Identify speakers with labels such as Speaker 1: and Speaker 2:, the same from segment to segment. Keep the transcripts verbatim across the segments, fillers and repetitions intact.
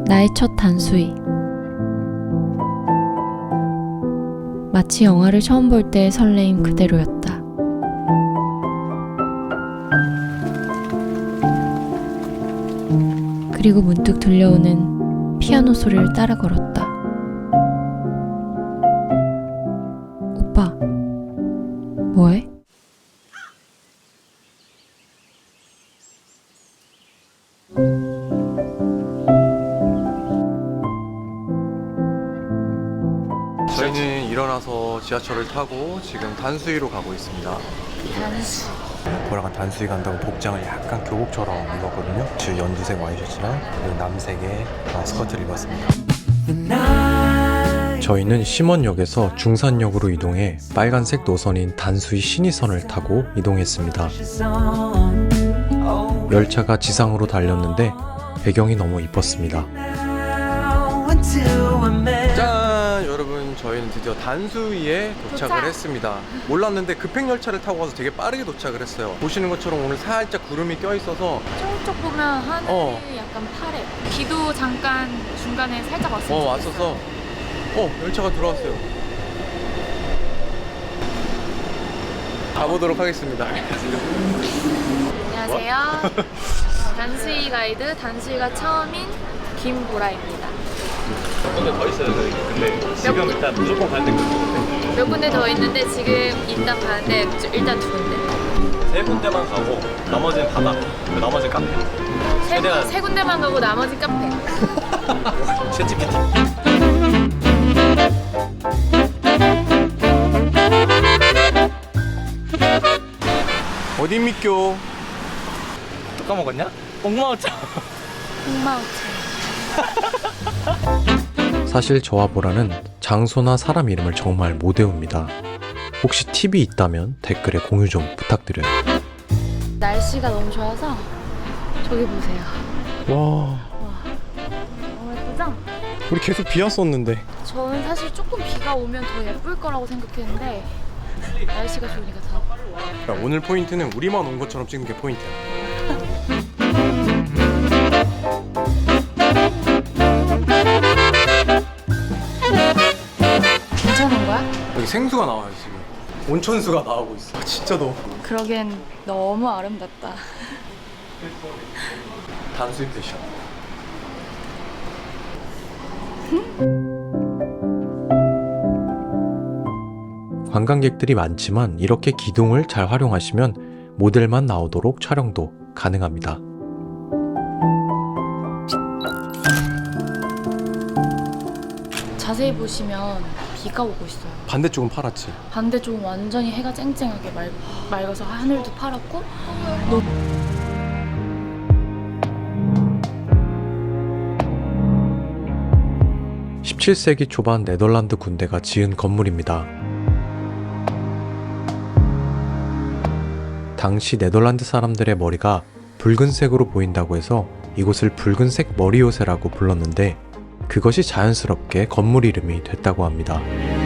Speaker 1: 나의 첫 단수이. 마치 영화를 처음 볼 때의 설레임 그대로였다. 그리고 문득 들려오는 피아노 소리를 따라 걸었다. 오빠, 뭐해?
Speaker 2: 저희는 일어나서 지하철을 타고 지금 단수이로 가고 있습니다.
Speaker 1: 단수.
Speaker 2: 보라가 단수이 간다고 복장을 약간 교복처럼 입었거든요. 주 연두색 와이셔츠랑 그리고 남색의 스커트를 입었습니다. 저희는 심원역에서 중산역으로 이동해 빨간색 노선인 단수이 신이선을 타고 이동했습니다. 열차가 지상으로 달렸는데 배경이 너무 이뻤습니다. 짠! 여러분, 저희는 드디어 단수이에 도착을
Speaker 1: 도착!
Speaker 2: 했습니다. 몰랐는데 급행열차를 타고 가서 되게 빠르게 도착을 했어요. 보시는 것처럼 오늘 살짝 구름이 껴있어서
Speaker 1: 저쪽 보면 하늘이
Speaker 2: 어.
Speaker 1: 약간 파래. 비도 잠깐 중간에 살짝 왔어요.
Speaker 2: 어 왔어서 어 열차가 들어왔어요. 가보도록 하겠습니다.
Speaker 1: 안녕하세요. 단수이 가이드 단수이가 처음인 김보라입니다.
Speaker 3: 근데 더 있어요. 근데 지금 일단 무조건 가야 될 것 같은데
Speaker 1: 몇 군데 더 있는데 지금 일단 가는데 일단 두 군데.
Speaker 3: 세 군데만 가고 나머지는 바다, 그 나머지는 카페.
Speaker 1: 세,
Speaker 3: 최대한-
Speaker 1: 군- 세 군데만 가고 나머지 카페.
Speaker 3: 챗지피티.
Speaker 2: 어딥니까?
Speaker 3: 또 까먹었냐? 옥마오차.
Speaker 1: 홍마오차.
Speaker 2: 사실 저와 보라는 장소나 사람 이름을 정말 못 외웁니다. 혹시 팁이 있다면 댓글에 공유 좀 부탁드려요.
Speaker 1: 날씨가 너무 좋아서 저기 보세요.
Speaker 2: 와,
Speaker 1: 너무 예쁘죠?
Speaker 2: 우리 계속 비 왔었는데.
Speaker 1: 저는 사실 조금 비가 오면 더 예쁠 거라고 생각했는데 날씨가 좋으니까 더.
Speaker 2: 야, 오늘 포인트는 우리만 온 것처럼 찍는 게 포인트야.
Speaker 1: 괜찮은 거야?
Speaker 2: 여기 생수가 나와요 지금. 온천수가 나오고 있어. 아, 진짜 더워.
Speaker 1: 그러기엔 너무 아름답다.
Speaker 2: 단수이 패션. 관광객들이 많지만 이렇게 기둥을 잘 활용하시면 모델만 나오도록 촬영도 가능합니다.
Speaker 1: 자세히 보시면 비가 오고 있어요.
Speaker 2: 반대쪽은 파랗지.
Speaker 1: 반대쪽은 완전히 해가 쨍쨍하게 맑, 맑아서 하늘도 파랗고 너무
Speaker 2: 십칠 세기 초반 네덜란드 군대가 지은 건물입니다. 당시 네덜란드 사람들의 머리가 붉은색으로 보인다고 해서 이곳을 붉은색 머리 요새라고 불렀는데 그것이 자연스럽게 건물 이름이 됐다고 합니다.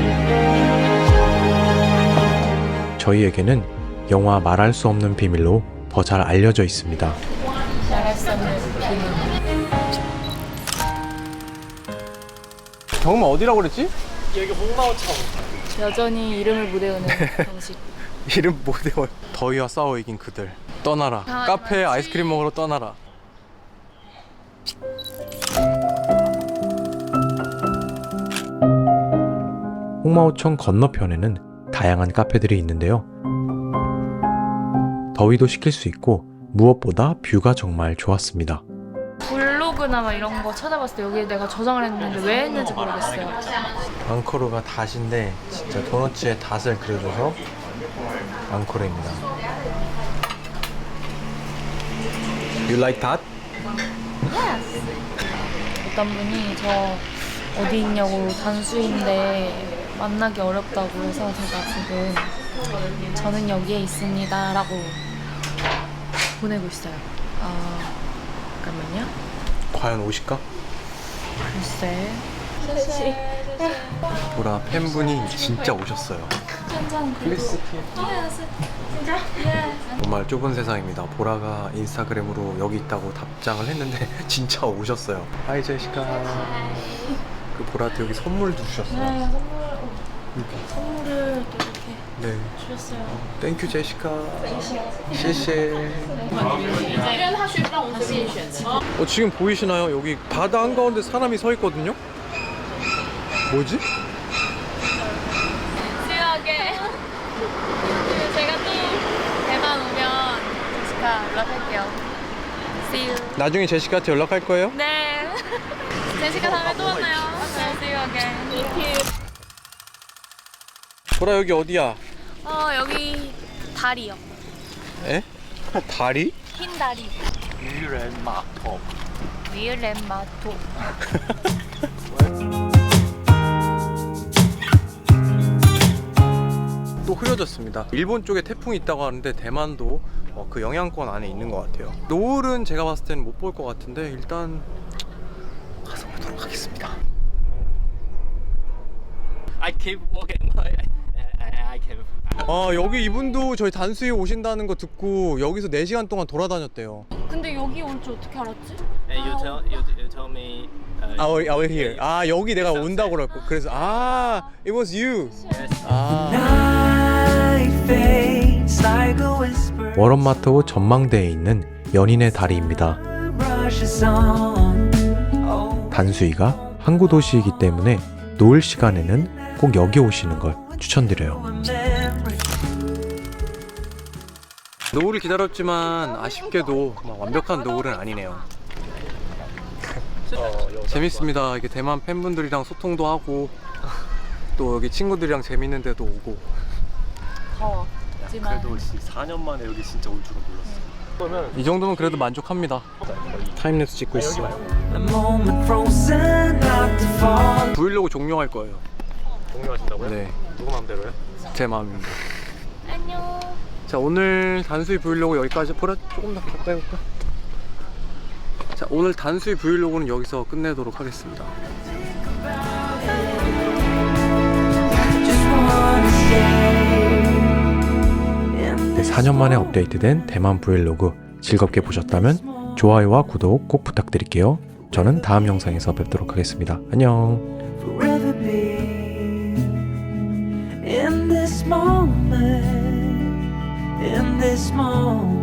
Speaker 2: 저희에게는 영화 말할 수 없는 비밀로 더 잘 알려져 있습니다.
Speaker 1: 말할 수 없는 비밀.
Speaker 2: 정말 어디라고 그랬지?
Speaker 3: 여기 옥마오차.
Speaker 1: 여전히 이름을 못 외우는 정식.
Speaker 2: 이름 못 외워요. 더위와 싸워 이긴 그들 떠나라.
Speaker 1: 다
Speaker 2: 카페에
Speaker 1: 맞지?
Speaker 2: 아이스크림 먹으러 떠나라. 홍마오청 건너편에는 다양한 카페들이 있는데요. 더위도 식힐 수 있고 무엇보다 뷰가 정말 좋았습니다.
Speaker 1: 블로그나 막 이런 거 찾아봤을 때 여기에 내가 저장을 했는데 왜 했는지 모르겠어요.
Speaker 2: 앙코르가 닷인데 진짜 도너츠에 닷을 그려줘서 앙코르입니다. You like that?
Speaker 1: 어떤 분이 저 어디 있냐고 단수인데 만나기 어렵다고 해서 제가 지금 저는 여기에 있습니다 라고 보내고 있어요. 아, 잠깐만요.
Speaker 2: 과연 오실까?
Speaker 1: 글쎄.
Speaker 2: 보라 팬분이 진짜 오셨어요.
Speaker 1: 한잔
Speaker 2: 플리스
Speaker 1: Yes. 진짜? Yes.
Speaker 2: 정말 좁은 세상입니다. 보라가 인스타그램으로 여기 있다고 답장을 했는데 진짜 오셨어요. 하이 제시카. 그 보라한테 여기 선물도 주셨어요.
Speaker 1: 네, 선물 선물을 또 이렇게
Speaker 2: 네.
Speaker 1: 주셨어요.
Speaker 2: 땡큐 제시카. 시시. 어, 지금 보이시나요? 여기 바다 한가운데 사람이 서 있거든요? 뭐지?
Speaker 1: 수요하게 제가 또 대만 오면 제시카 연락할게요. See you.
Speaker 2: 나중에 제시카한테 연락할 거예요?
Speaker 1: 네. 제시카 다음에 또 만나요. 네, see you again.
Speaker 2: 보라 여기 어디야?
Speaker 1: 어, 여기 다리요.
Speaker 2: 에? 다리?
Speaker 1: 흰 다리.
Speaker 3: 유렌마토.
Speaker 1: 위을렌마토.
Speaker 2: 또 흐려졌습니다. 일본 쪽에 태풍이 있다고 하는데 대만도 어, 그 영향권 안에 있는 것 같아요. 노을은 제가 봤을 때는 못 볼 것 같은데 일단 가서 보도록 하겠습니다.
Speaker 3: I keep walking. I, I, I keep.
Speaker 2: 아 여기 이분도 저희 단수에 오신다는 거 듣고 여기서 네 시간 동안 돌아다녔대요.
Speaker 1: 근데 여기 올 줄 어떻게 알았지?
Speaker 3: And you tell you, you tell me. Uh,
Speaker 2: 아, we're, we're here. 아 여기 내가 온다고 그랬고 그래서 아 it was you.
Speaker 3: Yes.
Speaker 2: 아
Speaker 4: Night fades like a whisper.
Speaker 2: 워런마토 전망대에 있는 연인의 다리입니다.
Speaker 4: Brushes on. Oh,
Speaker 2: 단수이가 항구 도시이기 때문에 노을 시간에는 꼭 여기 오시는 걸 추천드려요.
Speaker 4: memory.
Speaker 2: 노을을 기다렸지만 아쉽게도 막 완벽한 노을은 아니네요. 재밌습니다. 이게 대만 팬분들이랑 소통도 하고 또 여기 친구들이랑 재밌는 데도 오고.
Speaker 1: 더워. 하지만
Speaker 3: 그래도 사 년 만에 여기 진짜 올 줄은 몰랐어. 그러면
Speaker 2: 이 정도면 그래도 만족합니다. 타임랩스 찍고 있어.
Speaker 4: A moment frozen, not to fall.
Speaker 2: 브이로그 종료할 거예요.
Speaker 3: 공유하신다고요?
Speaker 2: 네,
Speaker 3: 누구 마음대로요?
Speaker 2: 제 마음입니다.
Speaker 1: 안녕.
Speaker 2: 자, 오늘 단수이 브이로그 여기까지. 보라 조금 더 가까이 올까? 자, 오늘 단수이 브이로그는 여기서 끝내도록 하겠습니다.
Speaker 4: Just wanna stay in
Speaker 2: 네, 사 년 만에 업데이트된 대만 브이로그 즐겁게 보셨다면 좋아요와 구독 꼭 부탁드릴게요. 저는 다음 영상에서 뵙도록 하겠습니다. 안녕.
Speaker 4: forever be in this moment, in this moment.